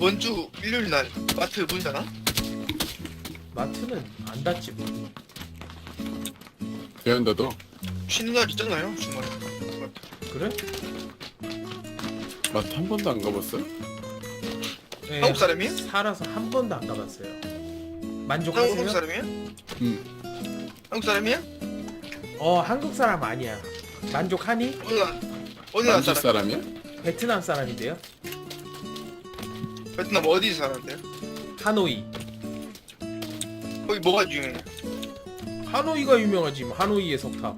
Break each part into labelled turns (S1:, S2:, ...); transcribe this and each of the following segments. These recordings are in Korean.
S1: 이번 주 일요일 날 마트 문 닫아?
S2: 마트는 안 닫지 뭐.
S3: 배운다도
S1: 쉬는 날 있잖아요 주말에.
S2: 그래?
S3: 마트 한 번도 안 가봤어요?
S2: 네,
S1: 한국 사람이에요?
S2: 살아서 한 번도 안 가봤어요.
S1: 한국
S2: 만족하세요?
S1: 사람이에요? 한국 사람이야?
S2: 한국 사람 아니야. 만족하니?
S1: 어디 나라
S3: 만주
S1: 사람?
S3: 사람이야?
S2: 베트남 사람인데요.
S1: 베트남 어디 사는데요?
S2: 하노이.
S1: 거기 뭐가 유명해?
S2: 하노이가 유명하지 뭐. 하노이의 석탑.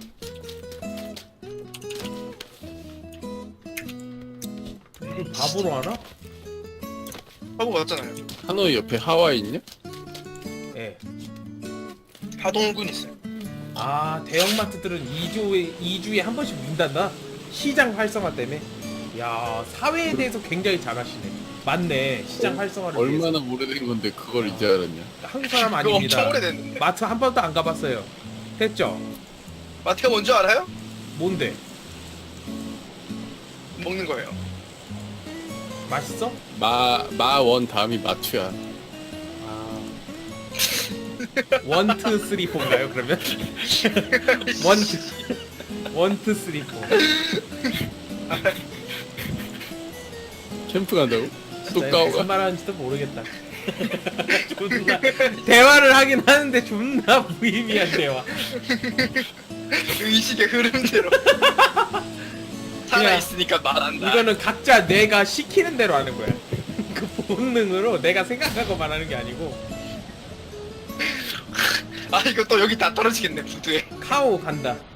S2: 이걸 바보로 하나?
S1: 하고 왔잖아요.
S3: 하노이 옆에 하와이 있냐?
S2: 예.
S1: 하동군 있어요.
S2: 아, 대형마트들은 2주에 한 번씩 문 닫나? 시장 활성화 때문에. 야, 사회에 대해서 굉장히 잘하시네. 맞네. 시장 활성화를 위해서.
S3: 얼마나 오래된 건데 그걸 이제 알았냐?
S2: 한국 사람
S1: 그거
S2: 아닙니다.
S1: 엄청 오래됐는데.
S2: 마트 한 번도 안 가봤어요. 됐죠?
S1: 마트가 뭔지 알아요?
S2: 뭔데?
S1: 먹는 거예요.
S2: 맛있어?
S3: 마원 다음이 마투야.
S2: 아. 1, 2, 3, 4인가요 그러면? 1, 2, 3, 4.
S3: 캠프 간다고? 또
S2: 무슨
S3: 까오가?
S2: 말하는지도 모르겠다. 존나 대화를 하긴 하는데 존나 무의미한 대화.
S1: 의식의 흐름대로. 살아있으니까 말한다.
S2: 이거는 각자 내가 시키는 대로 하는 거야. 그 본능으로 내가 생각하고 말하는 게 아니고.
S1: 아 이거 또 여기 다 떨어지겠네 부두에.
S2: 카오 간다.